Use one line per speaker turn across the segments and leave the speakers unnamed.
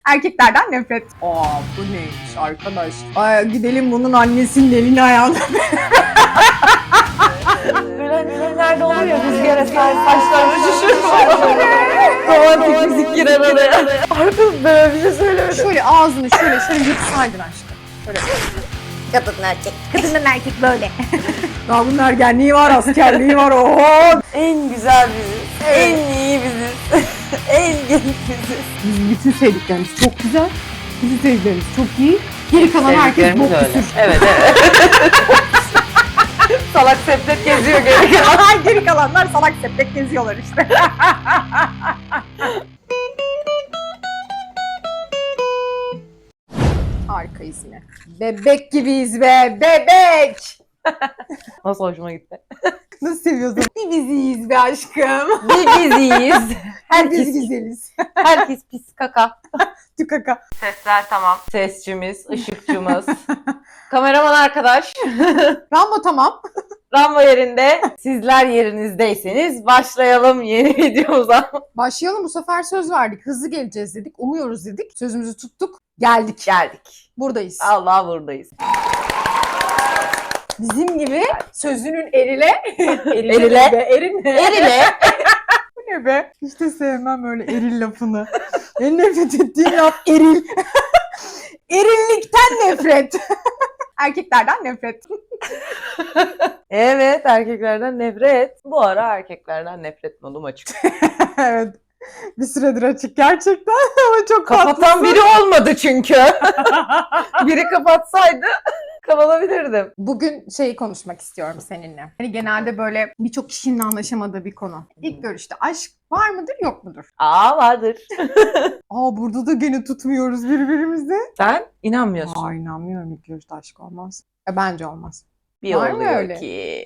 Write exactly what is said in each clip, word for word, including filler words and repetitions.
Erkeklerden nefret. Aa bu neymiş arkadaş? Ay, gidelim bunun annesinin elini ayağını.
Böyle filmlerde olur ya, rüzgar eser, saçlar uçuşur falan. Romantik müzik girer araya. Arkadaş böyle bir şey söylemedim.
Şöyle ağzını şöyle şöyle yırtsaydın aşkım. Şöyle.
Kadın erkek.
Kadının erkek böyle. Daha bunun ergenliği var, askerliği var. Oho.
En güzel biziz. En iyi biziz. En genç biziz.
Bizim bütün sevdiklerimiz çok güzel. Bizim sevdiklerimiz çok iyi. Geri kalan herkes bok küsür.
Evet evet. Salak sepet geziyor geri kalan.
Geri kalanlar salak sepet geziyorlar işte. Harikayız yine. Bebek gibiyiz be, bebek!
Nasıl hoşuma gitti.
Nasıl seviyorsun? Bir biziyiz be aşkım.
Bir biziyiz.
Biz
Herkes,
güzeliz.
herkes pis kaka.
Tükaka.
Sesler tamam. Sesçimiz, ışıkçımız. Kameraman arkadaş.
Rambo tamam.
Rambo yerinde. Sizler yerinizdeyseniz başlayalım yeni videomuza.
Başlayalım, bu sefer söz verdik. Hızlı geleceğiz dedik. Umuyoruz dedik. Sözümüzü tuttuk. Geldik.
Geldik.
Buradayız.
Allah buradayız.
Bizim gibi sözünün erile.
Erile.
Be, erin.
Erile.
Bu ne be? Hiç de sevmem öyle eril lafını. En nefret ettiğim laf eril. Erillikten nefret. Erkeklerden nefret.
Evet, erkeklerden nefret. Bu ara erkeklerden nefret modum açık.
Evet. Bir süredir açık gerçekten ama çok
Kapatan
tatlısın.
biri olmadı çünkü. Biri kapatsaydı kapatabilirdim.
Bugün şeyi konuşmak istiyorum seninle. Hani genelde böyle birçok kişinin anlaşamadığı bir konu. İlk görüşte aşk var mıdır yok mudur?
Aa vardır.
Aa burada da gene tutmuyoruz birbirimizi.
Sen inanmıyorsun.
Aa inanmıyorum, ilk görüşte aşk olmaz. E, bence olmaz.
Bir
Var mı
oluyor
öyle?
ki.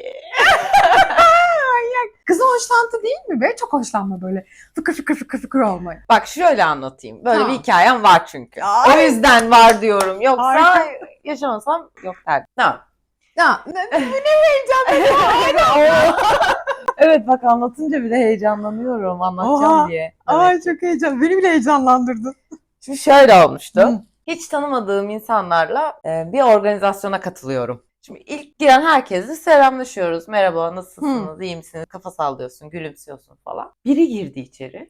Kızın hoşlantı değil mi be? Çok hoşlanma böyle fıkır fıkır fıkır fıkır olmayı.
Bak şöyle anlatayım. Böyle
Tamam.
bir hikayem var çünkü.
Ay.
O yüzden var diyorum. Yoksa
Harika.
yaşamasam yok derdim. Tamam.
Ya ne, bu ne heyecan.
Evet bak anlatınca bile heyecanlanıyorum anlatacağım
Oha.
diye. Evet.
Ay çok heyecan. Beni bile heyecanlandırdın.
Şimdi şöyle olmuştu.
Hı.
Hiç tanımadığım insanlarla e, bir organizasyona katılıyorum. Şimdi ilk giren herkesle selamlaşıyoruz. Merhaba, nasılsınız, iyi misiniz? Kafa sallıyorsun, gülümsüyorsun falan. Biri girdi içeri.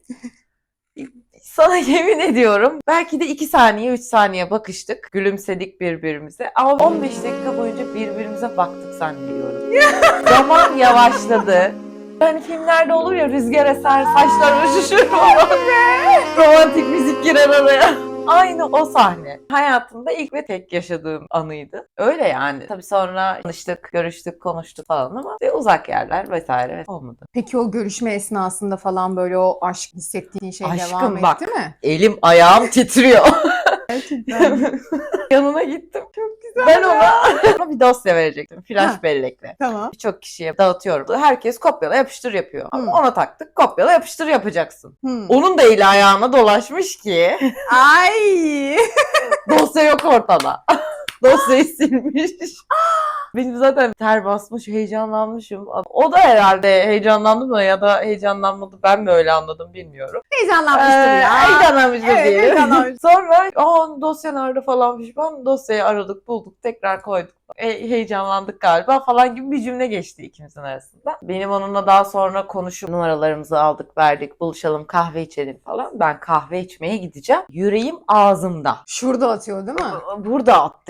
Sana yemin ediyorum belki de iki saniye, üç saniye bakıştık. Gülümsedik birbirimize. Ama on beş dakika boyunca birbirimize baktık zannediyorum. Zaman yavaşladı. Hani filmlerde olur ya, rüzgar eser, saçlar uçuşur falan. Romantik müzik girer araya. Aynı o sahne. Hayatımda ilk ve tek yaşadığım anıydı. Öyle yani. Tabii sonra tanıştık, görüştük, konuştuk falan ama işte uzak yerler vesaire olmadı.
Peki o görüşme esnasında falan böyle o aşk hissettiğin şey
Aşkım
devam
bak.
etti mi?
Elim ayağım titriyor.
Gerçekten.
Yanına gittim.
Çok güzel.
Ben ona, ona bir dosya verecektim. Flash
Ha.
bellekle.
Tamam.
Birçok kişiye dağıtıyorum. Herkes kopyala yapıştır yapıyor.
Hı.
Ona taktık. Kopyala yapıştır yapacaksın.
Hmm.
Onun da eli ayağına dolaşmış ki
Ay.
dosya yok ortada. Dosyayı silmiş. Benim zaten ter basmış, heyecanlanmışım. O da herhalde heyecanlandı mı ya da heyecanlanmadı, ben mi öyle anladım bilmiyorum.
Heyecanlanmıştır
Ee,
ya.
Heyecanlanmıştır
Evet,
diyelim.
heyecanlanmış.
Sonra aa dosya nerede falan pişman. Dosyayı aradık, bulduk, tekrar koyduk. E, heyecanlandık galiba falan gibi bir cümle geçti ikimizin arasında. Benim onunla daha sonra konuşup numaralarımızı aldık, verdik, buluşalım, kahve içelim falan. Ben kahve içmeye gideceğim. Yüreğim ağzımda.
Şurada atıyor değil mi?
Burada attı.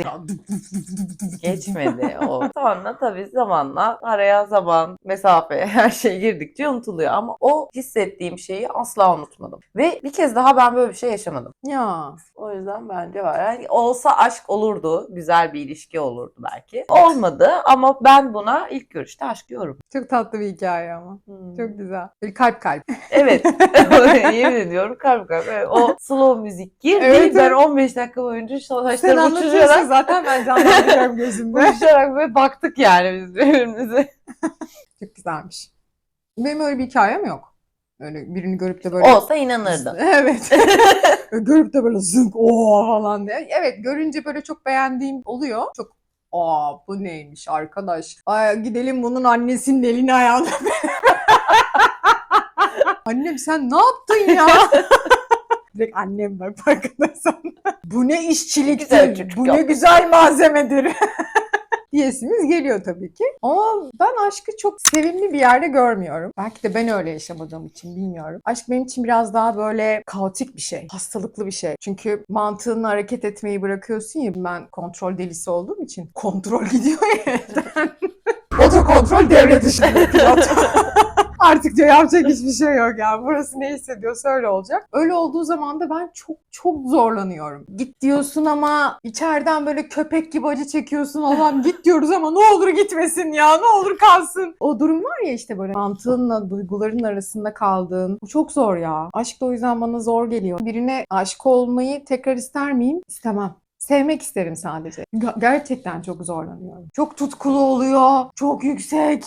Geçmedi o. Sonra tabii zamanla araya zaman, mesafe, her şey girdikçe unutuluyor. Ama o hissettiğim şeyi asla unutmadım. Ve bir kez daha ben böyle bir şey yaşamadım.
Ya.
O yüzden bence var. Yani olsa aşk olurdu. Güzel bir ilişki olurdu belki. Olmadı ama ben buna ilk görüşte aşk diyorum.
Çok tatlı bir hikaye ama.
Hmm.
Çok güzel. Bir kalp kalp.
Evet. Yemin ediyorum kalp kalp. Evet, o slow müzik girdi.
Evet,
ben
evet.
on beş dakika boyunca
Sen
saçlarımı
anlatıyorsun
uçurarak
zaten, ben canlandırıyorum gözümde.
uçurarak böyle baktık yani biz birbirimize.
Çok güzelmiş. Benim öyle bir hikayem yok. Öyle birini görüp de böyle...
Olsa inanırdım.
Evet. Görüp de böyle zınk ooo falan diye. Evet, görünce böyle çok beğendiğim oluyor. Çok aa bu neymiş arkadaş. Ay, gidelim bunun annesinin elini ayağını. Annem sen ne yaptın ya? Direkt annem bak farkındaysan. Bu ne
Güzel
işçiliktir,
çocuk
bu ne
yapmış.
güzel malzemedir. Diyesimiz geliyor tabii ki. Ama ben aşkı çok sevimli bir yerde görmüyorum. Belki de ben öyle yaşamadığım için bilmiyorum. Aşk benim için biraz daha böyle kaotik bir şey. Hastalıklı bir şey. Çünkü mantığınla hareket etmeyi bırakıyorsun ya. Ben kontrol delisi olduğum için kontrol gidiyor ya elden. Otokontrol devre dışı bir pilot. Artık diyor yapacak hiçbir şey yok yani. Burası ne hissediyorsa öyle olacak. Öyle olduğu zaman da ben çok çok zorlanıyorum. Git diyorsun ama içeriden böyle köpek gibi acı çekiyorsun. Allah'ım git diyoruz ama ne olur gitmesin ya. Ne olur kalsın. O durum var ya işte böyle mantığınla duyguların arasında kaldığın. Bu çok zor ya. Aşk da o yüzden bana zor geliyor. Birine aşık olmayı tekrar ister miyim? İstemem. Sevmek isterim sadece. Ger- Gerçekten çok zorlanıyorum. Çok tutkulu oluyor. Çok yüksek.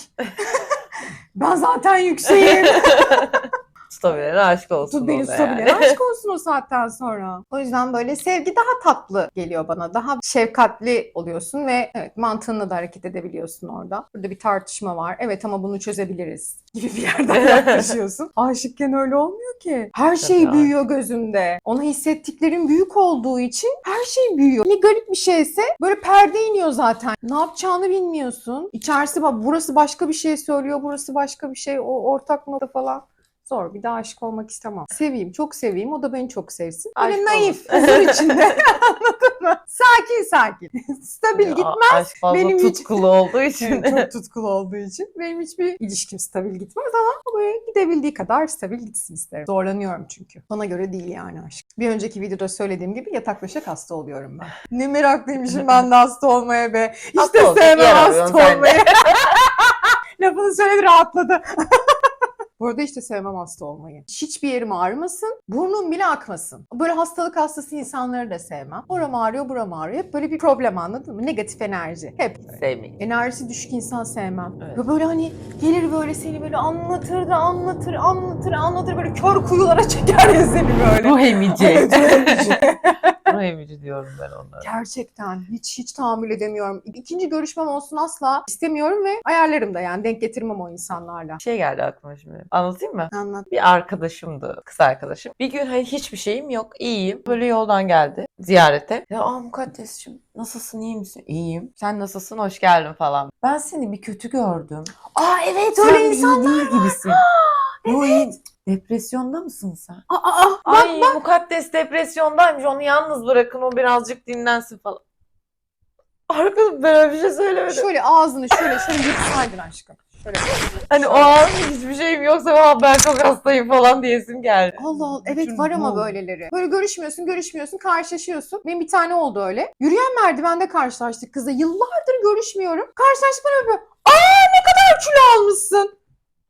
Ben zaten yükseğim.
Tutabilene aşk olsun
Tut beni
o da
tutabilene
yani.
aşk olsun o saatten sonra. O yüzden böyle sevgi daha tatlı geliyor bana. Daha şefkatli oluyorsun ve evet mantığınla da hareket edebiliyorsun orada. Burada bir tartışma var. Evet ama bunu çözebiliriz gibi bir yerden yaklaşıyorsun. Aşıkken öyle olmuyor ki. Her şey
Tabii,
büyüyor gözünde. Ona hissettiklerin büyük olduğu için her şey büyüyor. Ne garip bir şeyse böyle perde iniyor zaten. Ne yapacağını bilmiyorsun. İçerisi bak burası başka bir şey söylüyor. Burası başka bir şey. O ortak nokta falan. Zor. Bir daha aşık olmak istemem. Seveyim, çok seveyim. O da beni çok sevsin. Böyle
Aşk
naif,
olun.
huzur içinde. Anladın mı? Sakin sakin. Stabil
Ya,
gitmez.
aşk fazla
Benim hiç-
tutkulu olduğu için.
Evet, çok tutkulu olduğu için. Benim hiçbir ilişkim stabil gitmez ama böyle gidebildiği kadar stabil gitsin isterim. Zorlanıyorum çünkü. Bana göre değil yani aşk. Bir önceki videoda söylediğim gibi yataklaşak hasta oluyorum ben. Ne meraklıymışım ben de hasta olmaya be. Hiç
Hasta
de
olacak
sevmem
yer arıyorsun
hasta
sen de.
olmayı. Lafını söyledi rahatladı. Bu arada işte sevmem hasta olmayı. Hiçbir yerim ağrımasın, burnum bile akmasın. Böyle hastalık hastası insanları da sevmem. Oram ağrıyor, buram ağrıyor. Hep böyle bir problem anladın mı? Negatif enerji. Hep.
Sevmeyin.
Enerjisi düşük insan sevmem.
Evet.
Ve böyle hani gelir böyle seni böyle anlatır da anlatır, anlatır, anlatır. Böyle kör kuyulara çeker ya seni böyle.
Ruh emici.
Evet, ruh emici.
Ruh emici diyorum ben onlara.
Gerçekten hiç hiç tahammül edemiyorum. İkinci görüşmem olsun asla istemiyorum ve ayarlarım da yani denk getirmem o insanlarla.
Bir şey geldi aklıma şimdi. Anlatayım mı?
Anlat.
Bir arkadaşımdı, kız arkadaşım. Bir gün hani hiçbir şeyim yok, iyiyim. Böyle yoldan geldi ziyarete. Ya aa Mukaddes'cim nasılsın, iyi misin? İyiyim. Sen nasılsın, hoş geldin falan. Ben seni bir kötü gördüm.
Aa evet
Sen
öyle
iyi
insan.
değil gibisin. Yo, iyi. Depresyonda mısın sen?
Aa, aa, bak
Ay Mukaddes depresyondaymış, onu yalnız bırakın, o birazcık dinlensin falan. Arkadaşım ben öyle bir şey söylemedim.
şöyle ağzını şöyle şöyle yırtsaydın aşkım. Şöyle.
Hani o an hiçbir şeyim yoksa "Aa, ben çok hastayım" falan diyesim geldi.
Allah Allah. Evet
Bütün
var ama
bu-
böyleleri. Böyle görüşmüyorsun, görüşmüyorsun, karşılaşıyorsun. Benim bir tane oldu öyle. Yürüyen merdivende karşılaştık kızla. Yıllardır görüşmüyorum. Karşılaştık bana böyle. Aa ne kadar kilo almışsın.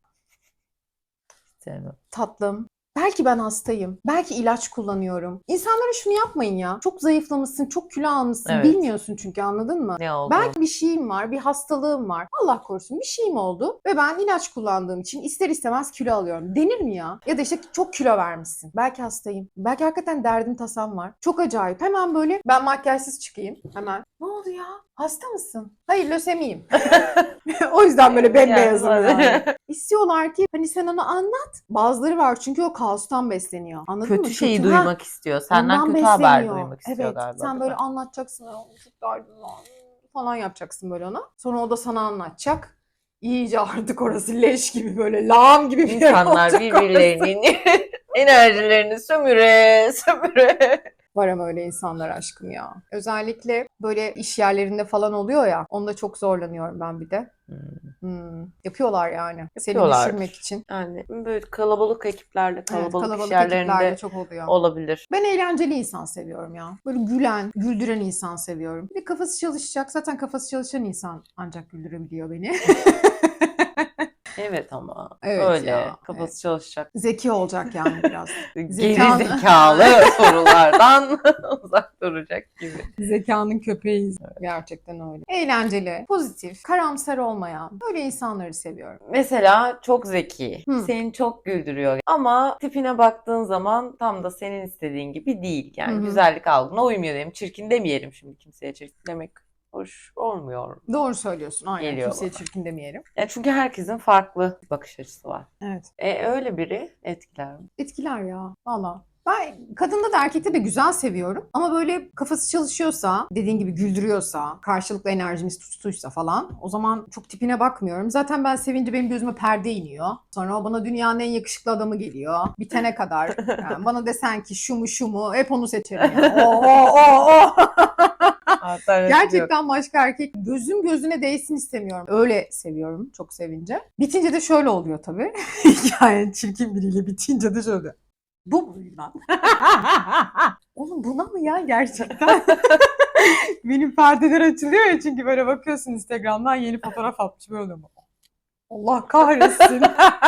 Sevmem.
Tatlım. Belki ben hastayım. Belki ilaç kullanıyorum. İnsanlara şunu yapmayın ya. Çok zayıflamışsın, çok kilo almışsın.
Evet.
Bilmiyorsun çünkü anladın mı?
Ne oldu?
Belki bir şeyim var, bir hastalığım var. Allah korusun bir şeyim oldu ve ben ilaç kullandığım için ister istemez kilo alıyorum. Denir mi ya? Ya da işte çok kilo vermişsin. Belki hastayım. Belki hakikaten derdin tasam var. Çok acayip. Hemen böyle ben makyajsız çıkayım. Hemen. Ne oldu ya? Hasta mısın? Hayır lösemiyim. O yüzden böyle bembeyazım
Yani.
yani. İstiyorlar ki hani sen onu anlat. Bazıları var çünkü o kaostan besleniyor. Anladın mı?
Kötü şeyi
Ha,
duymak istiyor. Senden
ondan
kötü haber
besleniyor.
duymak istiyor
Evet,
galiba.
sen
değil
böyle
mi?
anlatacaksın. "Aa, çok derdim var," falan yapacaksın böyle ona. Sonra o da sana anlatacak. İyice artık orası leş gibi böyle lağım gibi bir yer
İnsanlar
olacak orası.
birbirlerinin enerjilerini sömüre sömüre.
Var ama öyle insanlar aşkım ya. Özellikle böyle iş yerlerinde falan oluyor ya. Onda çok zorlanıyorum ben bir de.
Hmm.
Hmm, yapıyorlar yani. Seni
Yapıyorlardır.
düşürmek için.
Yani böyle kalabalık ekiplerle,
Evet,
kalabalık,
kalabalık
iş yerlerinde
ekiplerde çok oluyor.
olabilir.
Ben eğlenceli insan seviyorum ya. Böyle gülen, güldüren insan seviyorum. Bir de kafası çalışacak. Zaten kafası çalışan insan ancak güldürebiliyor beni.
Evet ama
Evet
öyle
ya,
kafası
evet.
çalışacak.
Zeki olacak yani biraz.
Geri
Zekanı-
zekalı sorulardan uzak duracak gibi.
Zekanın köpeğiyiz. Gerçekten öyle. Eğlenceli, pozitif, karamsar olmayan böyle insanları seviyorum.
Mesela çok zeki,
Hı.
seni çok güldürüyor ama tipine baktığın zaman tam da senin istediğin gibi değil. Yani
Hı hı.
güzellik algına uymuyor diyelim. Çirkin demeyelim şimdi, kimseye çirkin demek hoş olmuyor.
Doğru söylüyorsun. Aynen.
Geliyor
Kimseye
bana.
çirkin demeyelim.
Yani çünkü herkesin farklı bakış açısı var.
Evet.
E öyle biri etkiler mi?
Etkiler ya. Valla. Ben kadında da erkekte de güzel seviyorum. Ama böyle kafası çalışıyorsa, dediğin gibi güldürüyorsa, karşılıklı enerjimiz tutuştuysa falan o zaman çok tipine bakmıyorum. Zaten ben sevince benim gözüme perde iniyor. Sonra o bana dünyanın en yakışıklı adamı geliyor. Bitene kadar. Yani bana desen ki şu mu şu mu hep onu seçerim. Yani. O o o o. Gerçekten başka erkek gözüm gözüne değsin istemiyorum. Öyle seviyorum çok sevince. Bitince de şöyle oluyor tabii. Yani çirkin biriyle bitince de şöyle. Bu mu lan? Oğlum buna mı ya gerçekten? Benim perdeler açılıyor ya çünkü böyle bakıyorsun Instagram'dan yeni fotoğraf atmış böyle mi? Allah kahretsin.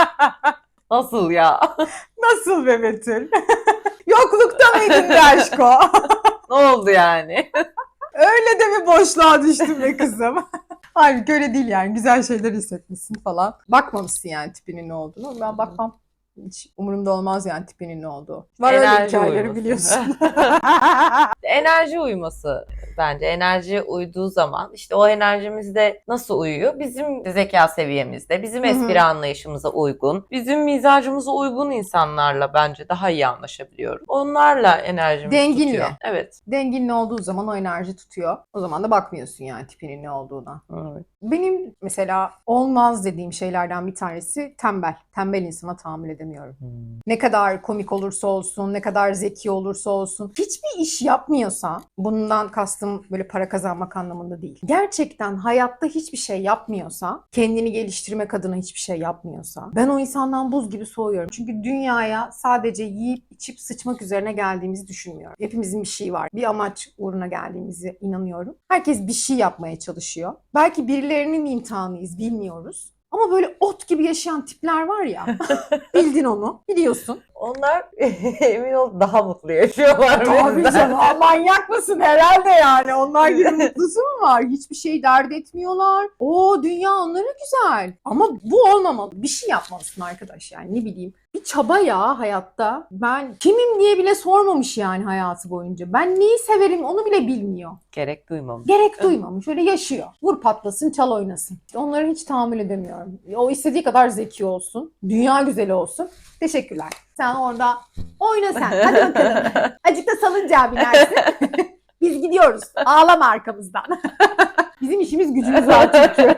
Nasıl ya?
Nasıl be Betül? Yoklukta mıydın be aşko?
Ne oldu yani?
Öyle de mi boşluğa düştün be kızım? Halbuki öyle değil yani. Güzel şeyler hissetmişsin falan. Bakmamışsın yani tipinin ne olduğunu. Ben bakmam. Hiç umurumda olmaz yani tipinin ne olduğu. Var öyle
Enerji
hikayeleri
uyuması.
biliyorsun.
Enerji uyuması bence. Enerji uyduğu zaman işte o enerjimizde nasıl uyuyor? Bizim zeka seviyemizde, bizim
Hı hı.
espri anlayışımıza uygun, bizim mizacımıza uygun insanlarla bence daha iyi anlaşabiliyorum. Onlarla enerjimiz
Denginle.
tutuyor. Evet.
Dengin ne olduğu zaman o enerji tutuyor. O zaman da bakmıyorsun yani tipinin ne olduğuna.
Evet.
Benim mesela olmaz dediğim şeylerden bir tanesi tembel. Tembel insana tahammül edemiyorum.
Hmm.
Ne kadar komik olursa olsun, ne kadar zeki olursa olsun, hiçbir iş yapmıyorsa, bundan kastım böyle para kazanmak anlamında değil. Gerçekten hayatta hiçbir şey yapmıyorsa, kendini geliştirmek adına hiçbir şey yapmıyorsa, ben o insandan buz gibi soğuyorum. Çünkü dünyaya sadece yiyip içip sıçmak üzerine geldiğimizi düşünmüyorum. Hepimizin bir şeyi var. Bir amaç uğruna geldiğimize inanıyorum. Herkes bir şey yapmaya çalışıyor. Belki birilerinin imtihanıyız, bilmiyoruz. Ama böyle ot gibi yaşayan tipler var ya. Bildin onu. Biliyorsun.
Onlar emin ol daha mutlu yaşıyorlar.
Tabii
bizden.
canım. Aa, manyak mısın herhalde yani. Onlar gibi mutlusu mu var? Hiçbir şey dert etmiyorlar. O dünya onlara güzel. Ama bu olmamalı. Bir şey yapmalısın arkadaş yani ne bileyim. Bir çaba ya hayatta. Ben kimim diye bile sormamış yani hayatı boyunca. Ben neyi severim onu bile bilmiyor.
Gerek duymam.
Gerek duymamış. Öyle yaşıyor. Vur patlasın, çal oynasın. Onlara hiç tahammül edemiyorum. O istediği kadar zeki olsun. Dünya güzeli olsun. Teşekkürler. Sen orada oyna sen. Hadi bakalım. Azıcık da salıncağa binersin. Biz gidiyoruz. Ağlama arkamızdan. Bizim işimiz gücümüz var çünkü.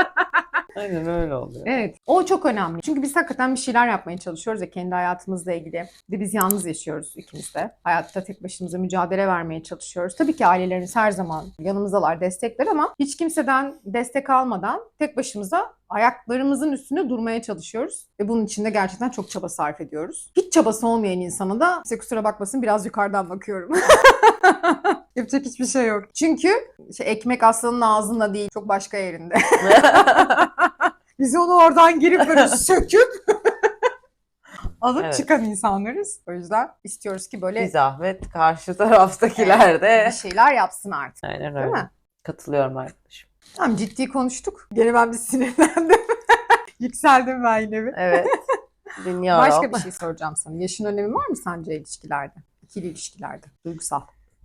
Aynen öyle oluyor.
Evet. O çok önemli. Çünkü biz hakikaten bir şeyler yapmaya çalışıyoruz ya kendi hayatımızla ilgili. Bir de biz yalnız yaşıyoruz ikimiz de. Hayatta tek başımıza mücadele vermeye çalışıyoruz. Tabii ki ailelerimiz her zaman yanımızdalar, destekler ama hiç kimseden destek almadan tek başımıza ayaklarımızın üstünde durmaya çalışıyoruz. Ve bunun için de gerçekten çok çaba sarf ediyoruz. Hiç çabası olmayan insana da size kusura bakmasın biraz yukarıdan bakıyorum. Yapacak hiçbir şey yok. Çünkü şey, ekmek aslanın ağzında değil, çok başka yerinde. Biz onu oradan girip böyle söküp alıp
Evet.
çıkan insanlarız. O yüzden istiyoruz ki böyle
Bir zahmet karşı taraftakiler de.
bir şeyler yapsın artık.
Aynen
Değil
öyle.
mi?
Katılıyorum arkadaşım.
Tamam ciddi konuştuk. Gene ben bir sinirlendim. Yükseldim ben yine bir.
Evet. Dinliyorum.
Başka bir şey soracağım sana. Yaşın önemi var mı sence ilişkilerde? İkili ilişkilerde. Duygusal.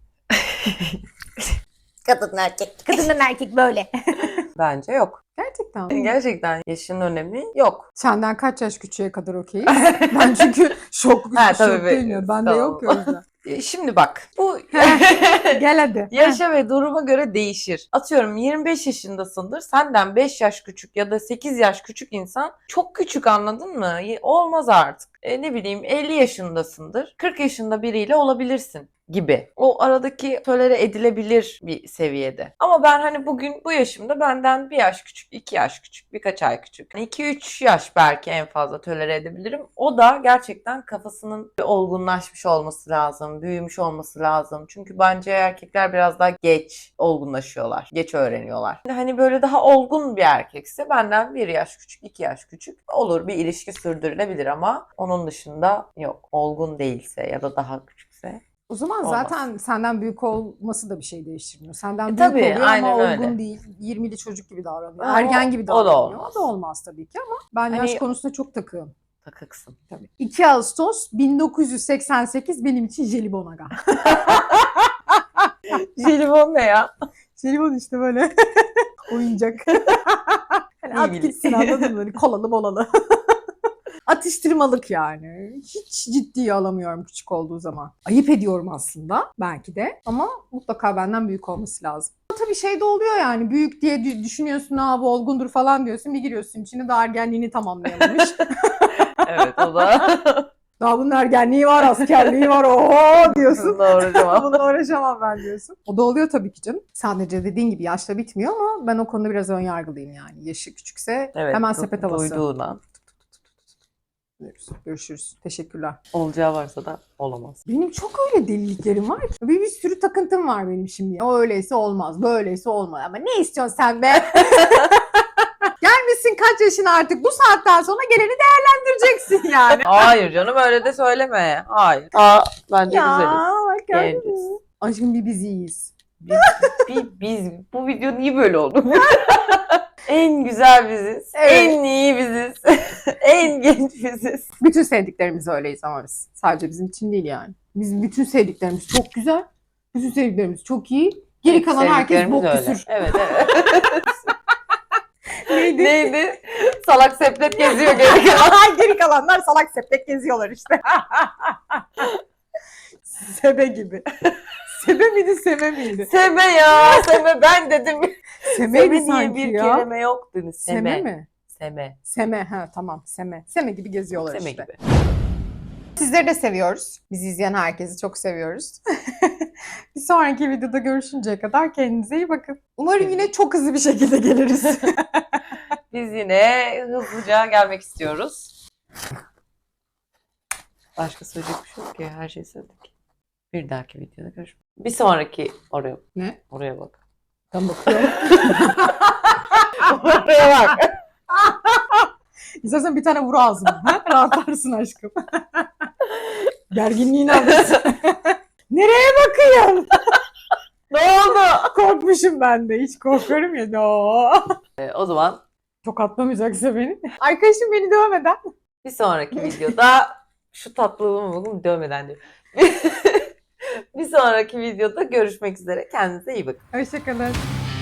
Kadın erkek.
Kadınla erkek böyle.
Bence yok.
Gerçekten.
Gerçekten yaşın önemi yok.
Senden kaç yaş küçüğe kadar okeyiz? Ben çünkü şok,
Ha, tabii
şok
be-
değilim. Bende
tamam.
yok ya o yüzden.
E, Şimdi bak bu
Gel hadi.
yaşa ve duruma göre değişir. Atıyorum yirmi beş yaşındasındır. Senden beş yaş küçük ya da sekiz yaş küçük insan çok küçük anladın mı? Y- Olmaz artık. E, ne bileyim elli yaşındasındır. kırk yaşında biriyle olabilirsin gibi. O aradaki tolere edilebilir bir seviyede. Ama ben hani bugün bu yaşımda benden bir yaş küçük, iki yaş küçük, birkaç ay küçük. iki üç yaş belki en fazla tolere edebilirim. O da gerçekten kafasının olgunlaşmış olması lazım, büyümüş olması lazım. Çünkü bence erkekler biraz daha geç olgunlaşıyorlar, geç öğreniyorlar. Hani böyle daha olgun bir erkekse benden bir yaş küçük, iki yaş küçük olur bir ilişki sürdürülebilir ama onun dışında yok. Olgun değilse ya da daha küçükse.
O zaman
Olmaz.
zaten senden büyük olması da bir şey değiştirmiyor. Senden
E,
büyük
tabii,
oluyor
aynen
ama
öyle.
olgun değil. yirmili çocuk gibi davranıyor.
Ha,
Ergen
o-
gibi
o da
davranıyor.
olmaz.
O da olmaz tabii ki ama ben
Hani-
yaş konusunda çok takığım.
Takıksın.
Tabii. iki Ağustos bin dokuz yüz seksen sekiz benim için jelibon aga.
Jelibon ne ya?
Jelibon işte böyle oyuncak. Hani
İyi
at
bil-
gitsin anladın mı? Böyle kolalı molalı. Atıştırmalık yani. Hiç ciddiye alamıyorum küçük olduğu zaman. Ayıp ediyorum aslında belki de ama mutlaka benden büyük olması lazım. Tabii şey de oluyor yani büyük diye dü- düşünüyorsun ha bu olgundur falan diyorsun bir giriyorsun içine daha ergenliğini tamamlayamamış.
Evet o da.
Daha bunun ergenliği var, askerliği var, oho diyorsun.
Doğru cevap.
Bununla uğraşamam ben diyorsun. O da oluyor tabii ki canım. Sadece dediğin gibi yaşla bitmiyor ama ben o konuda biraz ön yargılıyım yani. Yaşı küçükse
Evet,
hemen
du-
sepet havası.
duyduğuna.
Görüşürüz. Teşekkürler.
Olacağı varsa da olamaz.
Benim çok öyle deliliklerim var ki. Bir, bir sürü takıntım var benim şimdi. O öyleyse olmaz, böyleyse olmaz. Ama ne istiyorsun sen be? Gelmişsin kaç yaşına artık. Bu saatten sonra geleni değerlendireceksin yani.
Hayır canım öyle de söyleme. Hayır. Aa, bence
Ya
güzeliz.
bak gördün
Genciz.
mü? Aşkım bir biz iyiyiz.
Biz, bi- biz, bu video niye böyle oldu? En güzel biziz.
Evet.
En iyi biziz. En genç biziz.
Bütün sevdiklerimiz öyleyiz ama biz. Sadece bizim için değil yani. Biz bütün sevdiklerimiz çok güzel. Bütün sevdiklerimiz çok iyi. Geri kalan herkes
Sevdiklerimiz
bok
öyle.
küsür.
Evet evet.
Neydi?
Neydi? Salak seplet geziyor geri kalan.
Geri kalanlar salak sepet geziyorlar işte. Sebe gibi. Sebe miydi, sebe miydi?
Seme ya. Seme ben dedim.
Semeydi
Seme diye
sanki
bir
ya.
kelime yoktu. Seme.
Seme mi?
Seme.
Seme, ha tamam seme. Seme gibi geziyorlar
Seme
işte.
gibi.
Sizleri de seviyoruz. Bizi izleyen herkesi çok seviyoruz. Bir sonraki videoda görüşünceye kadar kendinize iyi bakın. Umarım yine çok hızlı bir şekilde geliriz.
Biz yine hızlıca gelmek istiyoruz. Başka söyleyecek bir şey yok ki. Her şeyi söyledik. Bir dahaki videoda görüşmek. Bir sonraki oraya
Ne?
oraya bak.
Ben bakıyorum.
Oraya bak.
İstersen bir tane vur ağzına. Ha? Rahatlarsın aşkım. Gerginliğini alırsın. Nereye bakıyorsun?
Ne oldu?
Korkmuşum ben de. Hiç korkarım ya. No.
Ee, o zaman
Tokatlamayacaksa beni. Arkadaşım beni dövmeden.
bir sonraki videoda şu tatlılığımı bakın dövmeden diyor. Bir sonraki videoda görüşmek üzere. Kendinize iyi bakın.
Hoşçakalın.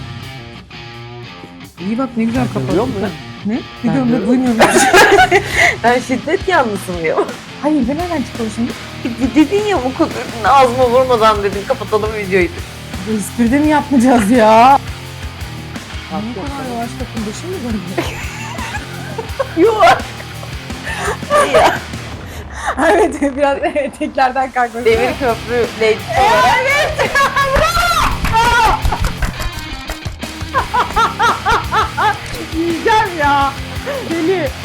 İyi bak ne güzel
Duyuyor musun?
Ne?
Ben
Biliyorum da
duyuyorum.
duymuyorum.
Ben şiddet yanlısın diyor.
Hayır ben nereden çıkıyorum şimdi?
Dedin ya bu kadar ağzıma vurmadan dedin kapatalım videoyu.
Bu espride mi yapmayacağız ya? Ne
Haklı.
kadar yavaş bakın başım mı dönüyor?
Yok. Ya,
Evet biraz eteklerden kalkmak.
Demir köprü lady olarak.
Evet. Yiyeceğim ya. Deli.